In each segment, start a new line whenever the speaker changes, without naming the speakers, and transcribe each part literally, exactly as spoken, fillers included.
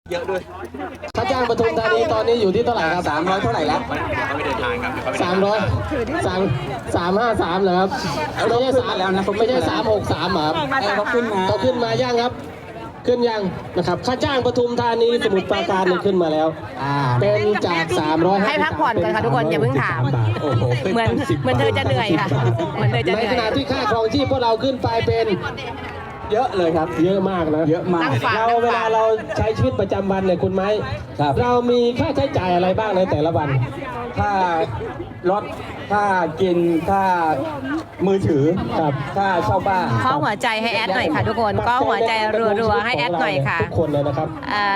เยอะด้วย
ค่าจ้างปทุมธานีตอนนี้อยู่ที่เท่าไหร่ครับ
สามร้อยเท่าไหร่แล้ว
ไม่เดินทางครับ
สามร้อยสามสามห้าสามเหรอครับไม่ใช่สามแล้วนะไม่ใช่สามหกสามครับ
เขาขึ้นมา
เขาขึ้นมาย่างครับขึ้นยังนะครับค่าจ้างปทุมธานีสมุทรปราการเนี่ยขึ้นมาแล้วเป็นจากสามร้อย
ให้พักผ่อนก่อนค่ะทุกคนอย่าเพิ่งถามเหมือนเหมือนเธอจะเหนื่อยค่ะเหมือนเธอจะเหนื่อย
ในขณะที่ค่าครองชีพพวกเราขึ้นไปเป็น
เยอะเลยครับ
เยอะมากนะ
เยอะมาก
เราเวลาเราใช้ชีวิตประจำวันเนี่ยคุณไม้เรามีค่าใช้จ่ายอะไรบ้างในแต่ละวัน
ค่ารถค่ากินค่ามือถือ
ครับ
ค่าเช่าบ้าน
ข้อหัวใจให้แอดหน่อยค่ะทุกคนก็หัวใจรัวๆให้แอดหน่อยค่ะ
ทุกคนเลยนะครับ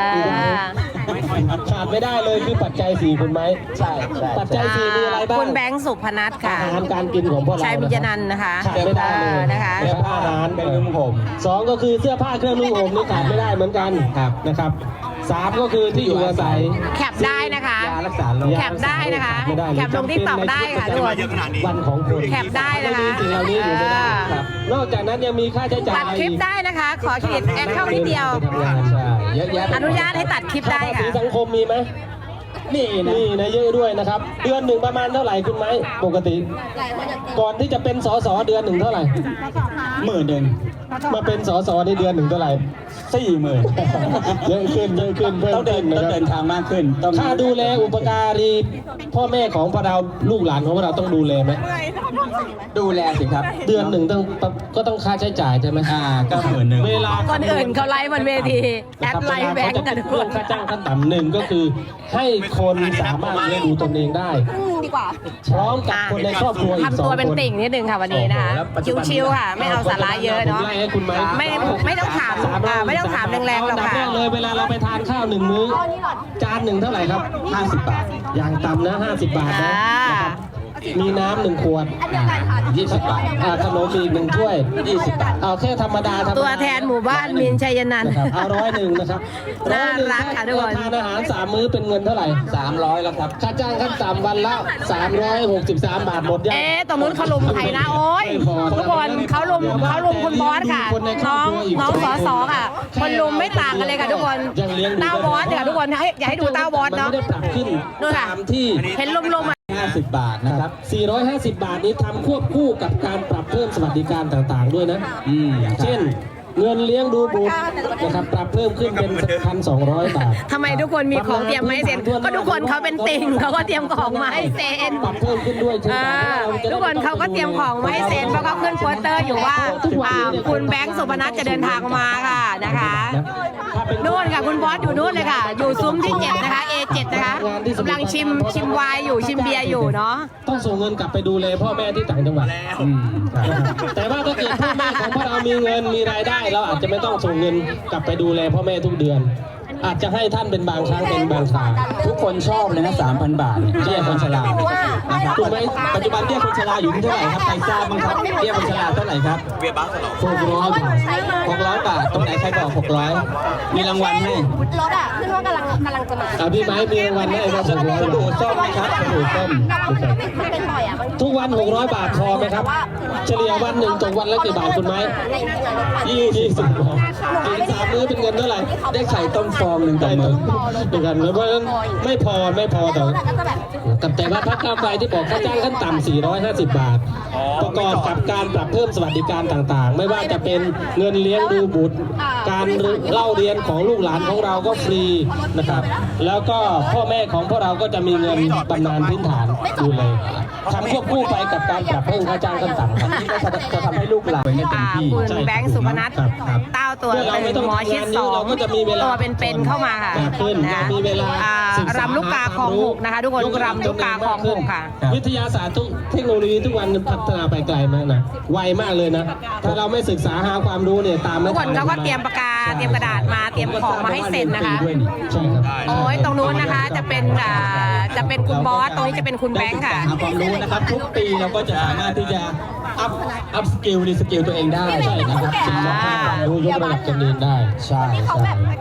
ขาดไม่ได้เลยคือปัจจัยสี่คุณไม้
ใช่
ปัจจัยสี่มีอะไรบ้าง
คุณแบงค์สุพนัทค่ะ
อาหารการกินของพวกเรา
ชัยบุญนันท์นะคะ
ขาดไม่ได้เลย
นะคะ
และอาหารเครื่องนุ่งห่มสองก็คือเสื้อผ้าเครื่องนุ่งห่มนี่ขาดไม่ได้เหมือนกันนะครับสามก็คือที่อยู่อาศัย
แคปได้นะคะ
ยารักษาโรค
แคปได้นะคะแคปลงที่ตอกได้ค่ะทุกคน
วันของคุณ
แคปได้นะคะ
สิ่งเหล่านี้อยู่ไม่ได้นอกจากนั้นยังมีค่าใช้จ่าย
ตัดคลิปได้นะคะขอเครดิตแอดเข้านิดเดียว
เยอะแยะ
อนุญาตให้ตัดคลิปได้ค่ะ
สังคมมีไหมนี่นะนี่นะเยอะด้วยนะครับเดือนหนึ่งประมาณเท่าไหร่คุณไหมปกติก่อนที่จะเป็นสสเดือนหนึ่งเท่าไหร่
หมื่นหนึ่ง
มาเป็นสสในเดือนหนึ่งเท่าไหร่
สี่หมื่น
เยอะขึ้นเยอะขึ้นเพิ่ม
ต้องเดินต้องเดินทางมากขึ้นต้อง
ค่าดูแลอุปการีพ่อแม่ของพวกเราลูกหลานของพวกเราต้องดูแลไหม
ดูแลสิครับ
เดือนหนึ่งต้องก็ต้องค่าใช้จ่ายใช่ไหม
อ่าก็หมื่นหนึ่ง
เวลา
คนอื่นเขาไลฟ์บนเวทีแอดไลฟ์แบงก์กันทุกคน
ค่าจ้างขั้นต่ำหนึ่งก็คือให้คนสามารถเลี้ยงดูตนเองได้
ดีกว่า
พร้อมกับคนในครอบครัวอีกสองคน
ทำตัวเป็นติ่งนิดนึงค่ะวันนี้นะคะชิวๆค่ะไม่เอาสาระเยอะเนาะไม่ไม่ต้องถามไม่ต้องถามแรงๆหรอกค่ะ
เลยเวลาเราไปทานข้าวหนึ่งมื้อจานหนึ่งเท่าไหร่ครับห้าสิบบาทอย่างต่ำนะห้าสิบบาทนะมีน้ำหนึ่งขวดยี่สิบบาทขนมอีกหนึ่งถ้วยยี่สิบบาทเอาแค่ธรรมดา
ตัวแทนหมู่บ้านมินชัยนันท์
เอาร้อยหนึ่งนะครับ
น่ารักค่ะทุกคน
ทานอาหารสามมื้อเป็นเงินเท่าไหร่
สามร้อยแล้วครับ
ค่าจ้างขั้นต่ำวันละสามร้อยหกสิบสามบาทหมดยัง
เอ๊ะตรงนู้นเขาลุมใครนะโอ๊ยทุกคนเขาลุมเขาลุมคุณบอสค่ะน้องน้องสอสอค่ะคนลุมไม่ต่างกันเลยค่ะทุกคนเต้าบอสค่ะทุกคนอยากให้ดูเต้าบอสเนาะ
นู่นค่ะที่
เห็นลุมๆ
ห้าสิบบาทนะครับ
สี่ร้อยห้าสิบบาทนี้ทำควบคู่กับการปรับเพิ่มสวัสดิการต่างๆด้วยนะ
อืม
เช่นเงินเลี้ยงดูบุตรนะครับปรับเพิ่มขึ้นเป็นพันสองร้อยบาท
ทำไมทุกคนมีของเตรียมมาให้เซ็นก็ทุกคนเขาเป็นติ่งเขาก็เตรียมของมาให้เซ็น
ปรับเพิ่มขึ้นด้วย
ทุกคนเขาก็เตรียมของมาให้เซ็นเพราะเขาขึ้นโปสเตอร์อยู่ว่าคุณแบงค์สุพนัทจะเดินทางมาค่ะนะคะนู่นค่ะคุณบอสอยู่นู่นเลยค่ะอยู่ซุ้มที่เจ็ดนะคะ เอ เจ็ด นะคะกำลังชิมชิมไวน์อยู่ชิมเบียร์อยู่เนาะ
ต้องส่งเงินกลับไปดูแลพ่อแม่ที่ต่างจังหวัดแต่ว่าถ้าเกิดพ่อแม่ของพวกเรามีเงินมีรายได้เราอาจจะไม่ต้องส่งเงินกลับไปดูแลพ่อแม่ทุกเดือนอาจจะให้ท่านเป็นบางครั้งเป็นบางคราว
ทุกคนชอบเลยนะสามพันบาทเบี้ยคนชรานะครับถูกไหมปัจจุบันเบี้ยคนชราอยู่ที่เท่าไหร่ครับใครทราบบ้างครับเบี้ยคนชราเท่าไหร่ครับ
เบี้ยบ้านสลบ
หกร้อยบาท
หกร้อยบาทตรงไหนใครบอกหกร้อยมีรางวัลให้
รถอ่ะขึ้นว่ากำลังกำลังจะมา
อ่าพี่ไม้มีรางวัลให้ครับหกร้อย
ดูส้มไหมครับดูส้ม
ทุกวันหกร้อยบาทพอไหมครับเฉลี่ยวันหนึ่งตกวันละกี่บาทคุณไม้ยี่สิบบาทกินสามมื้อเป็นเงินเท่าไหร่
ได้ไข่ต้มฟองหนึ่งต่อมื้อ
เดียวกันเพราะฉะนั้นไม่พอไม่พอแต่กับแต่ว่าพรรคก้าวไกลที่บอกค่าจ้างขั้นต่ำสี่ร้อยห้าสิบบาทประกอบกับการปรับเพิ่มสวัสดิการต่างๆไม่ว่าจะเป็นเงินเลี้ยงดูบุตรการเล่าเรียนของลูกหลานของเราก็ฟรีนะครับแล้วก็พ่อแม่ของพวกเราก็จะมีเงินบำนาญพื้นฐานดูเลยทำควบคู่ไปกับการปรับเพิ่มค่าจ้างขั้นต่ำ
นี่ก็จะทำให้ลูกหลาน
เต็มที่คุณแบงค์สุพนัทเต้าตัวเป็นหมอชิดสองตัวเป็นๆเข้ามาค่ะนะรำลูกกาคลองหกนะคะทุกคนรำลูกกาคลองหกค่ะ
วิทยาศาสตร์ทุกเทคโนโลยีทุกวันพัฒนาไปไกลมากนะไวมากเลยนะถ้าเราไม่ศึกษาหาความรู้เนี่ยตาม
ทุกคนเขาก็เตรียมปากกาเตรียมกระดาษมาเตรียมของมาให้เซ็นนะคะโอ้ยตรงนู้นนะคะจะเป็นจะเป็นคุณบอสตรงนี้จะเป็นคุณแบงค์ค่ะ
หาความรู้นะครับทุกปีเราก็จะสามารถที่จะอัพอัพสกิลรีสกิลตัวเองได้ใช่นะครับ
รู้ยกระดับตัวเองได้
ใช่ใช่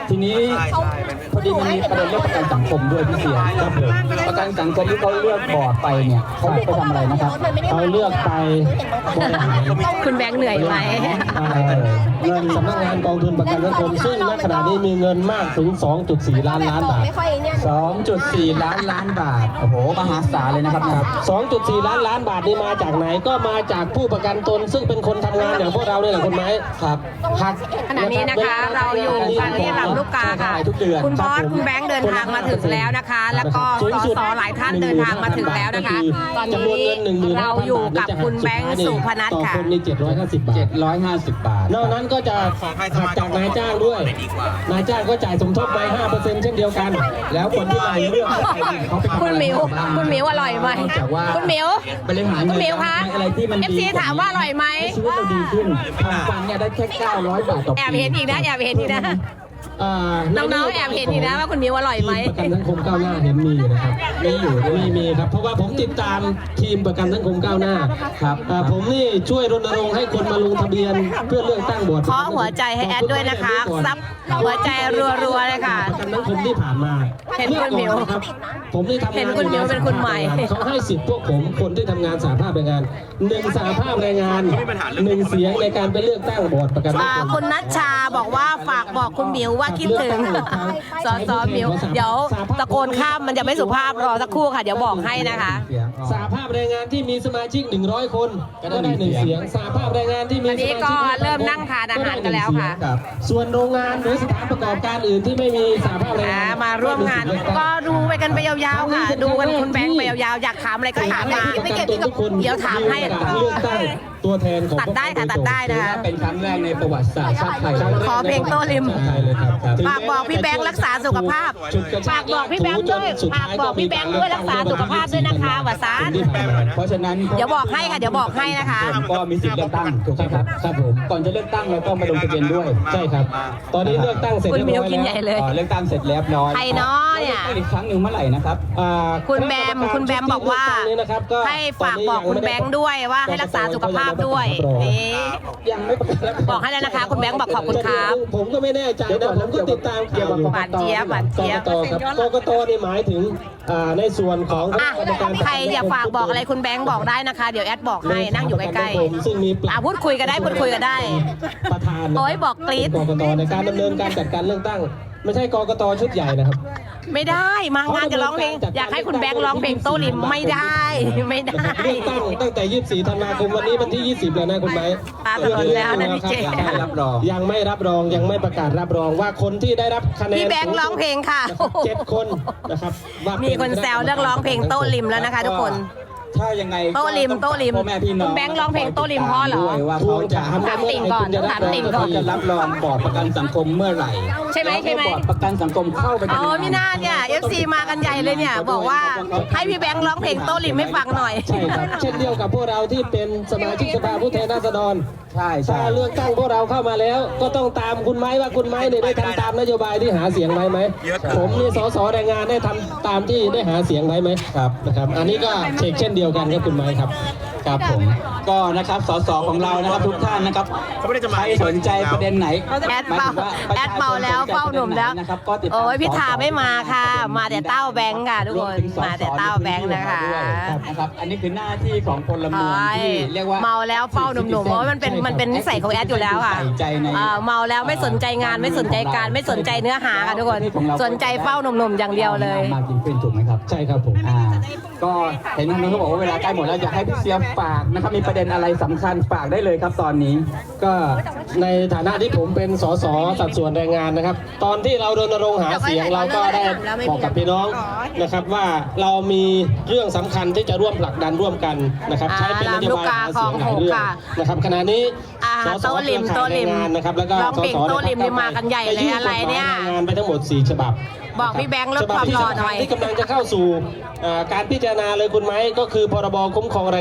ทีนี้พอดีมันมีประเด็นเรื่องประกันสังคมด้วยพี่เสียครับผมประกันสังคมที่เขาเลือกบอร์ดไปเนี่ยเขาเลือกไปทำอะไรนะครับ
เขาเลือกไปบริหาร
คุณแบงค์เหนื่อยไหม
เงินสำนักงานกองทุนประกันสังคมซึ่งณขณะนี้มีเงินมากถึง สองจุดสี่ ล้านล้านบาท
สองจุดสี่ ล้านล้านบาทโอ้โหมหาศาลเลยนะครับครับ
สองจุดสี่ ล้านล้านบาทนี่มาจากไหนก็มาจากผู้ประกันตนซึ่งเป็นคนทำงานอย่างพวกเราเนี่ยแหละคุณไหมครับหัก
ขณะนี้นะคะเราอยู่กันที่ลำลูกกาค่ะ
ทุกเดือน
คุณบอสคุณแบงค์เดินทางมาถึงแล้วนะคะ แล้วก็สสหลายท่านเดินทางมาถึงแล้วนะคะ ตอนนี้เราอยู่กับคุณแบงค์สุพนัท
ต่อ
ค่ะ
คนนี่เจ็ดร้อยห้าสิบบาท
เจ็ดร้อยห้าสิบบาท
นอกนั้นก็จะหักจากนายจ้างด้วย นายจ้างก็จ่ายสมทบไป ห้าเปอร์เซ็นต์ เช่นเดียวกัน
แล้วคนที่นายเลือกเขาไปทำอะไร
คุณหมิว
บ้าง
คุณหมิวอร่อยไหม
นอกจากว่า
คุณหมิว
บริหาร
คุณหมิวคะ
อะไรที่มัน
เอฟซีถามว่าอร่อยไหม
ชีวิตเราดีขึ้นทางฟันเนี่ยได้แค่เก้าร้อยบาทต่อปี
แอบเห็นอีกนะแอบเห็นอีกนะ
อ่า
น้องๆแอบเห็นอีกนะว่าคุณหมิวอร่อยไหม
ทีประกันสังคมก้าวหน้าเห็นมีอยู่นะครับมีอยู่ด้วยมีมีครับเพราะว่าผมติดตามทีมประกันสังคมก้าวหน้า
ครับ
อ่าผมนี่ช่วยรณรงค์ให้คนมาลงทะเบียนเพื่อเลือกตั้งบอร์ด
ขอหัวใจให้แอดด้วยนะคะซับหัวใจรัวๆเลยค่ะ
ประกันสังคมที่ผ่านมา
เห็นคุณหมิว
เลือกก่อนนะครับผมนี่ทำงาน
เห็นคุณหมิวเป็นคุณใหม่
เขาให้สิทธิ์พวกผมคนที่ทำงานสาภาพแรงงานหนึ่งสาภาพแรงงานหนึ่งเสียงในการไปเลือกตั้งบอร์ดประกันสัง
อ่า
คม
คุณนัชชาบอกว่าฝากบอกคุณหมิวว่าคิดถึงสอสอหมิว เดี๋ยวตะโกนข้ามมันจะไม่สุภาพรอสักครู่ค่ะ เดี๋ยวบอกให้นะคะ
สหภาพแรงงานที่มีสมาชิกหนึ่งร้อยคนก็ได้หนึ่งเสียงสหภาพแรงงานที่มี
อันนี้ก็เริ่มนั่งทานอาหารกันแล้วค่ะ
รับส่วนโรงงานหรือสถานประกอบการอื่นที่ไม่มีสหภาพแรง
อ่าง
าน
มาร่วมงานก็ดูไปกันไปยาวๆค่ะ ดูกันคุณแบงค์ไปยาวๆอยากถามอะไรก็ถามมา
ไม่เก็บทุกคน
เดี๋ยวถามให้
เลือกตั้งตัวแทนของ
ตัดได้ค่ะตัดได้นะ
ถือ
คะ
ว่าเป็นครั้งแรกในประวัติศาสตร์ชาติไทยเลย
ขอเพลงโต้ริม
ใช่เลยครับครับ
ฝากบอกพี่แบงค์รักษาสุขภาพ
ฉุดกระช
ฝากบอกพี่แบงค์ด้วยฝากบอกพี่แบงค์ด้วยรักษาสุขภาพด้วยนะคะวสาน
เพราะฉะนั้น
เดี๋ยวบอกให้ค่ะเดี๋ยวบอกให้นะคะ
ก็มีสิทธิ์เลือกตั้งถูกไหมครับ
ครับผม
ก่อนจะเลือกตั้งเราต้องมาลงทะเบียนด้วย
ใช่ครับ ตอนนี้เลือกตั้งเสร็จ
คุณ
เรียบ
มิว
ร้อย
กิน
แล้ว
ใหญ่เลย
อ่าเลือกตั้งเสร็จแล้วร้อย
ใครเนาะเนี่ย
ลือกตั้งอีกครั้งหนึ่งเมื่อไหร่นะครับ
อ่า
คุณแบมคุณแบมบอกว่า ให้ฝากบอกคุณแบงค์ด้วยว่าให้รักษาสุขภาพด้วยนี่
ยังไม่ประกาศรับ
บอกให้แล้วนะคะ คุณแบงค์บอกขอบคุณครับ
ผมก็ไม่แน่ใจนะผมก็ติดตามข่าวอยู่
หวานเจี๊ยบหวานเจี๊ยบ
กกตครับกกตนี่หมายถึงอ่าในส่วนของ
อ่ะ
กรรมการ
ใครอยากฝากบอกอะไรคุณแบงค์บอกได้นะคะ เดี๋ยวแอดบอกให้นั่งอยู่ใกล้
ๆซึ่งมี
ๆอ่ะพูดคุยกันได้พูดคุยกันได้
ประธาน
โอ้ยบอกกรี๊ด
กกตในการดำเนินการจัดการเลือกตั้ง ไม่ใช่กกตชุดใหญ่นะครับ
ไม่ได้มางานจะร้องเพลงอยากให้คุณแบงค์ร้องเพลงโต้ริมไม่ได้ไม่ได้
เลือกตั้งตั้งแต่ ยี่สิบสี่ ธันวาคมวันนี้วันที่ ยี่สิบ แล้วนะคุณไหม
ตาถลนแล้วนะพี่เจ
ยังไม่รับรอง
ยังไม่รับรองยังไม่ประกาศรับรองว่าคนที่ได้รับคะแนน
พี่แบงค์ร้องเพลงค่ะ
เจ็ดคนนะครับว่า
มีคนแซวเรื่องร้องเพลงโต้ริมแล้วนะคะ ทุกคน
ถ้ายังไง
โต้ริมโต้ริม
พ่อแม่พี่น้อง
คุณแบงค์ร้องเพลงโต้ริมเพราะเหรอ
ด้วยว่าเขาจะ
ถามติ่งก่อนต้องถามติ่งก่อน
จะรับรองบอร์ดประกันสังคมเมื่อไหร่
ใช่ไหมใช่ไหม
แล้วบอร์ดประกันสังคมเข้าไป
อ๋อพี่นาเนี่ยเอฟซีมากันใหญ่เลยเนี่ย บอกว่าให้พี่แบงค์ร้องเพลงโต้ริมให้ฟังหน่อย
ใช่ครับเช่นเดียวกับพวกเราที่เป็นสมาชิกสภาผู้แทนราษฎร
ใช่ใช่
ถ้าเลือกตั้งพวกเราเข้ามาแล้ว ก็ต้องตามคุณไม้ว่าคุณไม้เนี่ยได้ทำตามนโยบายที่หาเสียงไว้ไหมผมนี่สสแรงงานได้ทำตามที่ได้หาเสียงไว้ไหมครับนะครับอันนี้ก็เช็คเช่นเดียวกันครับคุณไม้ครับ
ครับผมก็นะครับสสของเรานะครับทุกท่านนะครับใครสนใจประเด็นไหน
แอดเป่าแอดเป่าแล้วเฝ้าหนุ่มแล้ว
นะครับก็ติดตาม
โอ้ยพิธาไม่มาค่ะ
สส
มาแต่เต้าแบงค์ค่ะทุกคน
รวถึงสส
มาแต่เต้าแบงค์นะคะ
ด้วยนะครับอันนี้คือหน้าที่ของพลเมือง
โอ้ย
ที่เรียกว่า
เมาแล้วเฝ้าหนุ่มๆเพราะว่ามันเป็นมันเป็นนิสัยของแอดอยู่แล้วค่ะ
ใส่ใจใน
เอ่อเมาแล้วไม่สนใจงานไม่สนใจการไม่สนใจเนื้อหาค่ะทุกคนสนใจเฝ้าหนุ่มๆอย่างเดียวเลย
มากยิ่งขึ้นถูกไหมครับ
ใช่ครับผม
อ่าก็เห็นทางนู้นเขาบอกว่าเวลาใกล้หมดแล้วอยากให้พี่เสียฝากนะครับมีประเด็นอะไรสำคัญฝากได้เลยครับตอนนี้
ก็ในฐานะที่ผมเป็นสสสัดส่วนแรงงานนะครับ ตอนที่เรารณรงค์หาเสียงเราก็ได้บอกกับพี่น้องนะครับว่าเรามีเรื่องสำคัญที่จะร่วมผลักดันร่วมกันนะครับใช้เป็นนโยบายหาเสียงหลายเรื่องนะครับขณะนี้
อ่า
สส
โต้ริม
เครือข่ายแรงงานนะครับแล้วก็
ร้องเพลง
สส
โต้ริมนี่มากันใหญ่เลยอะไรเนี่ย
ด้ยื่กฎหมายแรงงานไปทั้งหมดสี่ฉบับ
บอกพี่แบงค์ลดความรอหน่อย
ที่กำลังจะเข้าสู่อ่าการพิจารณาเลยคุณไหมก็คือพรบคุ้มครองแรงงานฉบับ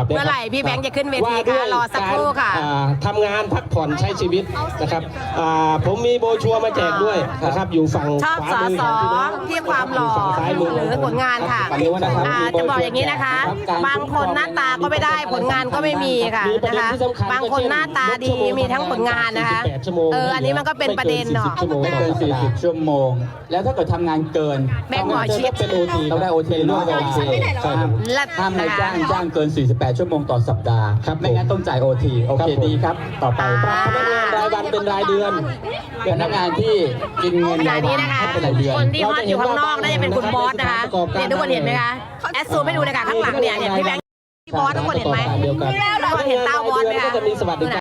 บ
เมื่อไหร่พี่แบงค์จะขึ้นเวทีคะรอสักครู่ค่ะ
อ่าทำงานพักผ่อนใช้ชีวิตนะครับอ่าผมมีโบรชัวร์มาแจกด้วยนะครับอยู่ฝั่ง
ชอบ
ขวา
สอ
มือ
สอ
ของพี่น้อง
ที่ความหล่อ
ฝั่งซ้ายมือ
หรือผลงานค่ะ
ฝั่งนี้นะครับ
อ่าจะบอกอย่างนี้นะคะ บางคนหน้าตาก็ไม่ได้ผลงานก็ไม่มีค่ะนะคะ บางคนหน้าตาดีมีทั้งผลงานนะคะเอออันนี้มันก็เป็นประเด็นเนาะ
ไม่เกินสี่สิบชั่วโมง แล้วถ้าเกิดทำงานเกิน
แบ่งหมอชิด
เป็นโอที
ต้องได้โอทีด้วย
โอที
ห้ามห้ามนายจ้างจ้างเกิน สี่สิบแปด ชั่วโมงต่อสัปดาห์
ครับ
ไม่งั้นต้องจ่ายโอทีโอ
ครั
เค
บผม
ดีครับ ต่อไป
ปรับพนักงานรายวันเป็นรายเดือน
พนักงานที่กินเงิน
ขณะ
รายวั
นี้
น
นะคะ
ให้เป็นรายเดือน
คนที่ฮอตอยู่ข้างนอกน่าจะเป็นคุณบอสนะคะเนี่ยทุกคนเห็นไหมคะแอดซูมไม่ดูเลยค่ะข้างหลังเนี่ยเห็นพี่แบงค์พี่บอสทุกคนเห็นไหม
เดียวกัน
ทุกคนเห็นเต้าบอสไหมคะ
ก็จะมีสวัสดิการ